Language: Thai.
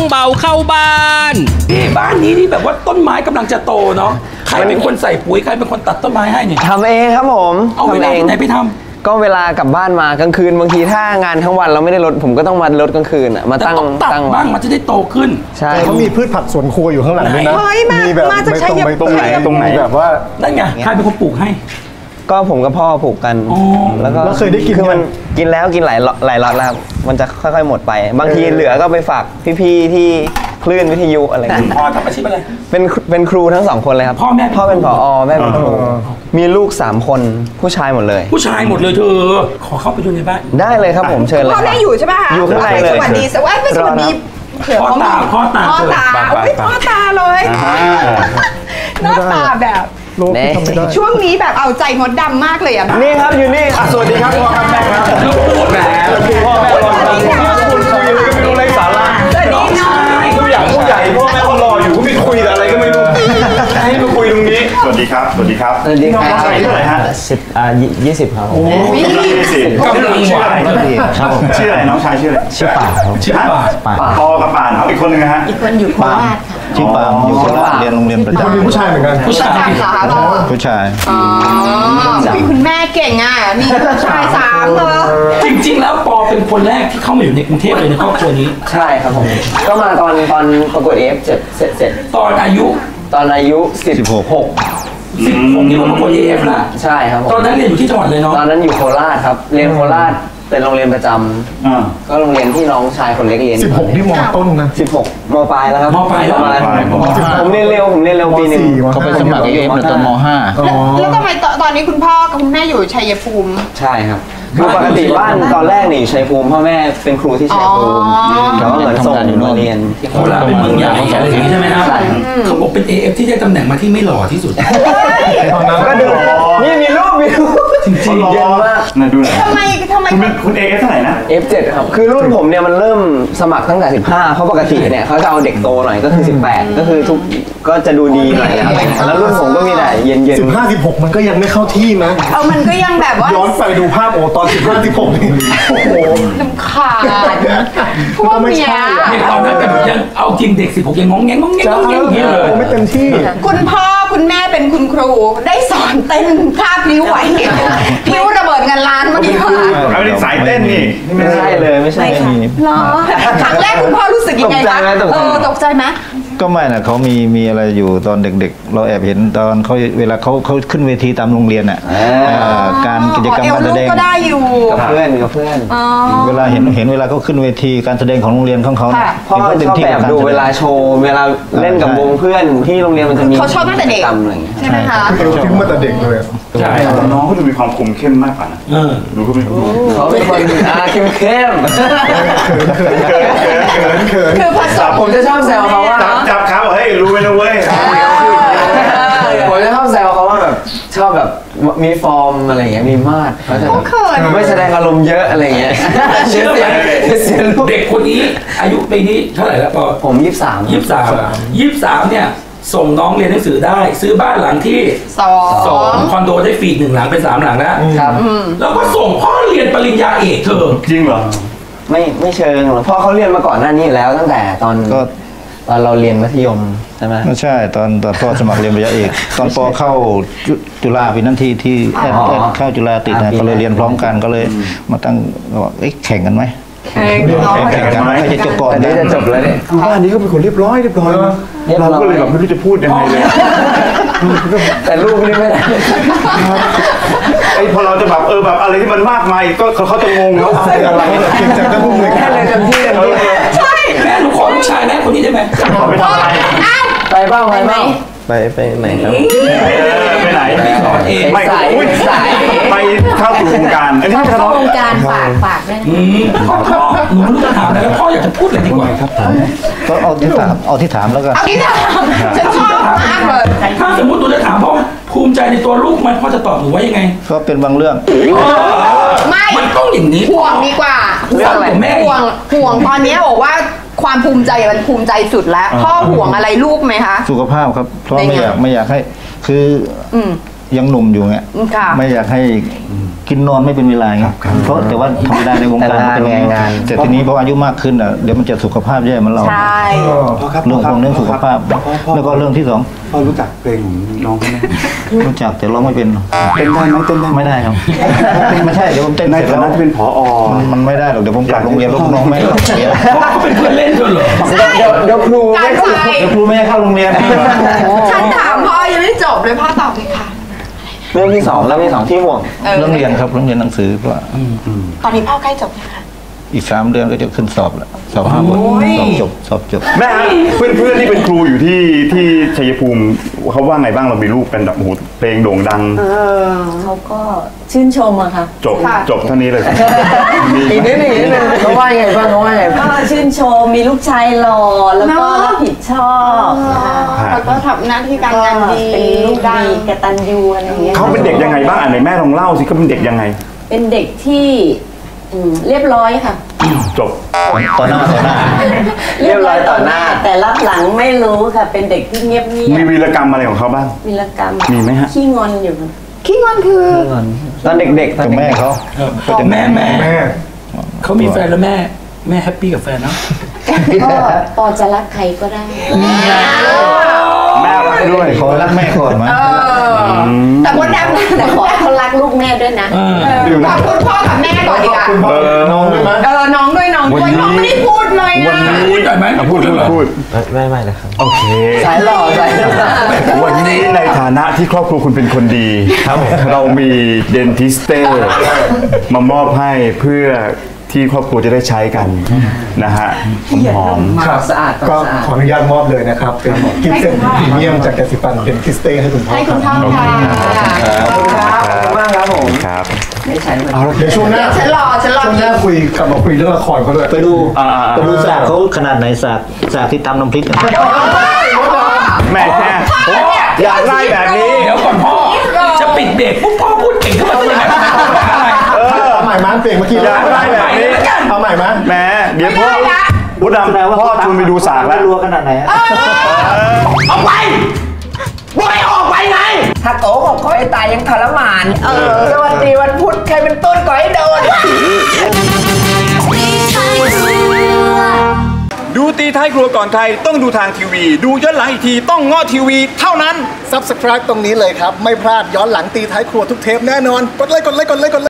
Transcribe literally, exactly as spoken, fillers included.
เบาเข้าบ้านนี่บ้านนี้นี่แบบว่าต้นไม้กำลังจะโตเนาะใครเป็นคนใส่ปุ๋ยใครเป็นคนตัดต้นไม้ให้เนี่ยทำเองครับผมเอาเวลาที่ไหนไปทำก็เวลากลับบ้านมากลางคืนบางทีถ้างานทั้งวันเราไม่ได้ลดผมก็ต้องมาลดกลางคืนอ่ะมาตั้งตั้งบ้างมันจะได้โตขึ้นใช่เขามีพืชผักสวนครัวอยู่ข้างหลังด้วยนะมีแบบมาจากชัยภูมิตรงไหนตรงไหนแบบว่านั่นไงใครเป็นคนปลูกให้ก็ผมกับพ่อปลูกกันแล้วก็เคยได้กินคือมันกินแล้วกินหลายหลายล็อตแล้วครับมันจะค่อยๆหมดไปบางทีเหลือก็ไปฝากพี่ๆที่คลื่นวิทยุอะไรอย่างเงี้ยพ่อทำอาชีพอะไรเป็นเป็นครูทั้งสองคนเลยครับพ่อแม่พ่อเป็นผอแม่เป็นครูมีลูกสามคนผู้ชายหมดเลยผู้ชายหมดเลยเธอขอเข้าไปดูในบ้านได้เลยครับผมเชิญเลยพ่อแม่อยู่ใช่ป่ะอยู่ข้างในเลยสวัสดีสวัสดีสวัสดีพ่อตาพ่อตาพ่อตาพ่อตาเลยหน้าตาแบบช่วงนี้แบบเอาใจมดดำมากเลยอ่ะนี่ครับอยู่นี่สวัสดีครับพ่อครับแม่ครับแหมพ่อแม่รอคุณคุยอะไรก็ไม่รู้ไร้สาระสวัสดีน้องผู้ใหญ่ผู้ใหญ่พ่อแม่เขารออยู่ก็ไม่คุยอะไรก็ไม่รู้ให้มาคุยตรงนี้สวัสดีครับสวัสดีครับสวัสดีครับน้องชายเท่าไหร่ฮะสิบอ่ายี่สิบครับโอ้ยี่สิบก็ชื่ออะไรครับผมชื่ออะไรน้องชายชื่ออะไรชื่อป่าครับชื่อป่าปอกับป่านเอาอีกคนนึงนะฮะอีกคนอยู่โคราชชื่อปามอยู่โคราชเรียนโรงเรียนประจำมีผู้ชายเหมือนกันผู้ชายค่ะผู้ชายอ๋อคุณแม่เก่งอ่ะมีผู้ชายสามเหรอจริงๆแล้วปอเป็นคนแรกที่เข้ามาอยู่ในกรุงเทพเลยในครอบครัวนี้ใช่ครับผมก็มาตอนตอนประกวด เอ เอฟ เสร็จเสร็จเสร็จตอนอายุตอนอายุสิบหกสิบหกนี่ผมประกวด เอ เอฟ ละใช่ครับตอนนั้นเรียนอยู่ที่จังหวัดเลยเนาะตอนนั้นอยู่โคราชครับเรียนโคราชเป็นโรงเรียนประจำก็โรงเรียนที่น้องชายคนเล็กเรียนสิบหกที่มอต้นนะสิบหกมปลายแล้วครับมปลายแล้วผมเรียนเร็วผมเรียนเร็วปีนึงเขาไปสมัคร เอ เอฟตอนมห้าแล้วทำไมตอนนี้คุณพ่อกับคุณแม่อยู่ชัยภูมิใช่ครับคือปกติบ้านตอนแรกนี่ชัยภูมิพ่อแม่เป็นครูที่ชัยภูมิแต่ว่าเหมือนส่งมาเรียนที่โคราชเป็นเมืองใหญ่อะไรอย่างนี้ใช่ไหมครับเขาบอกเป็น เอ เอฟ ที่ได้ตำแหน่งมาที่ไม่หล่อที่สุดก็ดูนี่มีรูปมีรูปจริงๆเยอะมากน่าดูหน่อยทำไมทำไมคุณ เอ เอฟ เท่าไหร่นะเอฟ เจ็ด ครับคือรุ่นผมเนี่ยมันเริ่มสมัครตั้งแต่สิบห้าเพราะปกติเนี่ยเขาจะเอาเด็กโตหน่อยก็คือสิบแปดก็คือทุกก็จะดูดีหน่อยอะไรแล้วรุ่นผมก็มีแต่เย็นๆสิบห้า สิบหกมันก็ยังไม่เข้าที่นะเออมันก็ยังแบบว่าย้อนไปดูภาพโอ้ตอนสิบห้า สิบหกนี่โอ้โหน้ำขาดพวกเนี้ยตอนนั้นแบบยังเอาจริงเด็กสิบหกยังงงแงงงงแงงงงแงงอย่างเงี้ยเลยไม่เต็มที่คุณพ่อคุณแม่เป็นคุณครูได้สอนเต้นท่าพลิ้วไหวพลิ้วระเบิดเงินล้านมาดีกว่าเอาเป็นสายเต้นนี่ไม่ใช่เลยไม่ใช่หรอครั้งแรกคุณพ่อรู้สึกยังไงคะเออตกใจไหมก็ไม่นะเขามีมีอะไรอยู่ตอนเด็กๆเราแอบเห็นตอนเขาเวลาเขาเขาขึ้นเวทีตามโรงเรียนอ่ะการกิจกรรมการแสดงก็ได้อยู่กับเพื่อนกับเพื่อนเวลาเห็นเห็นเวลาเขาขึ้นเวทีการแสดงของโรงเรียนของเขาพ่อชอบแบบดูเวลาโชว์เวลาเล่นกับวงเพื่อนที่โรงเรียนมันจะมีเขาชอบตั้งแต่เด็กใช่ไหมคะเอวทิ้งมาแต่เด็กเลยใช่น้องเขาดูมีความคุมเข้มมากกว่านะดูเขาเป็นเขาเป็นคนอ่าเข้มเข้มคือผสมผมจะชอบแซวเขาว่าจับขาบอกเฮ้ยรู้ไหมนะเว้ยผมจะชอบแซวเขาว่าแบบชอบแบบมีฟอร์มอะไรอย่างเงี้ยมีมาดเขาจะไม่แสดงอารมณ์เยอะอะไรอย่างเงี้ยเชื่อไหมเด็กคนนี้อายุปีนี้เท่าไหร่แล้วปอผมยี่สิบสามยี่สิบสามยี่สิบสามเนี่ยส่งน้องเรียนหนังสือได้ซื้อบ้านหลังที่สองสองคอนโดได้ฟรีหนึ่งหลังเป็นสามหลังแล้วครับแล้วก็ส่งพ่อเรียนปริญญาเอกเธอจริงเหรอไม่ไม่เชิงหรอกพ่อเขาเรียนมาก่อนหน้านี้แล้วตั้งแต่ตอนก็ตอนเราเรียนมัธยมใช่ไหมไม่ใช่ตอนตอนพ่อสมัครเรียนปริญญาเอกตอนปอเข้าจุฬาปีนั้นที่ที่แอดแอดเข้าจุฬาติดนะก็เลยเรียนพร้อมกันก็เลยมาตั้งว่าเอ๊ะแข่งกันไหมแข่งแข่งกันไหมใครจะจบก่อนนี่จะจบแล้วเนี่ยบ้านนี้ก็เป็นคนเรียบร้อยเรียบร้อยนะเราก็เลยแบบไม่รู้จะพูดยังไงเลยแต่ลูกนี่ไม่ได้ไอ้พอเราจะแบบเออแบบอะไรที่มันมากมายก็เขาจะงงแล้วอะไรเก่งจังก็พูดเลยแค่เลยเต็มที่เต็มที่ใช่แม่หนูขอลูกชายแม่คนนี้ได้ไหมไปทำอะไรไปบ้างไปบ้างไปไปไหนครับไปไหนไม่สายสายไปเข้าสู่วงการอันนี้เข้าวงการฝากฝากได้พ่อพ่อหนูรู้จะถามแล้วพ่ออยากจะพูดอะไรดีกว่าครับผมก็เอาที่ถามเอาที่ถามแล้วกันเอาที่ถามฉันชอบมากเลยถ้าสมมติหนูจะถามพ่อภูมิใจในตัวลูกมันพ่อจะตอบหนูว่ายังไงก็เป็นบางเรื่องไม่มันต้องอย่างนี้ห่วงดีกว่าเรื่องอะไรแม่ห่วงห่วงตอนนี้บอกว่าความภูมิใจมันภูมิใจสุดแล้วพ่อห่วงอะไรลูกไหมคะสุขภาพครับเพราะไม่อยากไม่อยากให้คือยังหนุ่มอยู่เงี้ยค่ะไม่อยากให้กินนอนไม่เป็นเวลาเงี้ยเพราะแต่ว่าธรรมดาในวงการมันเป็นอย่างนี้แต่ทีนี้พออายุมากขึ้นอ่ะเดี๋ยวมันจะสุขภาพแย่เหมือนเราใช่พ่อครับเรื่องของเรื่องสุขภาพพ่อพ่อแล้วก็เรื่องที่สองพ่อรู้จักเพลงของน้องเขาไหมรู้จักแต่ร้องไม่เป็นเต้นได้ไหมเต้นได้ไหมไม่ได้ครับไม่ใช่เดี๋ยวผมเต้นในเสร็จฐาแล้วนะที่เป็นผอมันมันไม่ได้หรอกเดี๋ยวผมกลับโรงเรียนแล้วน้องไม่ให้เข้าโรงเรียนเพราะเขาเป็นเพื่อนเล่นกันเหรอเดี๋ยวเดี๋ยวครูกาไม่รเข้าใช้เดี๋ยวครูไม่ให้เข้าโรงเรียนฉันถามพ่อยังไม่จบเลยพ่อตอบเลยค่ะเรื่องที่สองเรื่องที่สองที่ห่วงเรื่องเรียนครับเรื่องเรียนหนังสือเพราะว่าตอนนี้พ่อใกล้จบแล้วค่ะอีกสามเดือนก็จะขึ้นสอบแล้วสอบห้าบทโอ้ยสอบจบสอบจบแม่ฮะเพื่อนเพื่อนๆที่เป็นครูอยู่ที่ที่ชัยภูมิเขาว่าไงบ้างเรามีลูกเป็นแบบโอ้โหเพลงโด่งดังเขาก็ชื่นชมอะค่ะจบจบเท่านี้เลยมีอีกนิดนึงอีกนิดนึงเขาว่ายังไงบ้างเขาว่ายังไงบ้างก็ชื่นชมมีลูกชายหล่อแล้วก็รับผิดชอบนะคะแล้วก็ทำหน้าที่การงานดีเป็นลูกดัดีงกตัญญูอะไรอย่างเงี้ยเขาเป็นเด็กยังไงบ้างอ่ะไหนแม่ลองเล่าสิเขาเป็นเด็กยังไงเป็นเด็กที่อืมเรียบร้อยค่ะจบต่อหน้าต่อหน้าเรียบร้อยต่อหน้าแต่รับหลังไม่รู้ค่ะ เป็นเด็กที่เงียบเงียมีบวีรกรรมอะไรของเขาบ้างวีรกรรมมีไหมฮะขี้งอนอยู่ค่ะขี้งอนคือตอนเด็กๆตอนกับเด็แม่กเขาก็จะแม่แม่เขามีแฟนแล้วแม่ แม่แฮปปี้กับแฟนเนาะก็ปอจะรักใครก็ได้แม่รักด้วยขอรักแม่ก่อนมั้ยเออแต่มดดำนะแต่ขอให้เขารักลูกแม่ด้วยนะขอบคุณพ่อกับแม่ก่อนดีกว่าเออน้องด้วยมั้ยเออน้องด้วยน้องด้วยน้องไม่ได้พูดเลยวันนะนี้พูดหน่อยไหมพูดพูดพูดไม่ไม่เลยครับโอเคสายหล่อสายหล่อวันนี้ในฐานะที่ครอบครัวคุณเป็นคนดีครับเรามีเดนทิสเต้มามอบให้เพื่อที่ครอบครัวจะได้ใช้กันนะฮะหอมครับสะอาดก็สะอาดขออนุญาตมอบเลยนะครับ เป็นกิฟต์เซ็ตพรีเมียมจากแกสิปันเป็นคริสเต้ให้คุณพ่อให้คคุรัณบพ่อค่ะขอบคุณครับขอบคุณมากครับผมครับไม่ใช่เลยเอาละเดี๋ยวช่วงหน้าฉันรอฉันรอช่วงหน้าคุยกลับมาคุยเรื่องละครเขาด้วยไปดูอ่าไปดูสากเขาขนาดไหนสากสากที่ตำน้ำพริกอะแม่แค่อยากได้แบบนี้เดี๋ยวก่อนพ่อ จะปิดเบรกปุ๊บพ่อพูดเก่งขึ้นมาได้ยังไงอะไรเออเอาใหม่มาเปลี่ยนเมื่อกี้อยากได้แบบนี้เอาใหม่มาแหมเดี๋ยวพ่อพุดดำพ่อชวนไปดูสากแล้วรัวขนาดไหนอะออกไปบอกให้ออกไปไงถ้าโตบอกคอยตายยังทรมาน เออ สวัสดีวันพุธใครเป็นต้นก่อให้โดนดูตีท้ายครัวก่อนใครต้องดูทางทีวี ดูย้อนหลังอีกทีต้องง้อทีวีเท่านั้น Subscribe ตรงนี้เลยครับ ไม่พลาดย้อนหลังตีท้ายครัวทุกเทปแน่นอน กดไลค์กดไลค์กดไลค์กดไลค์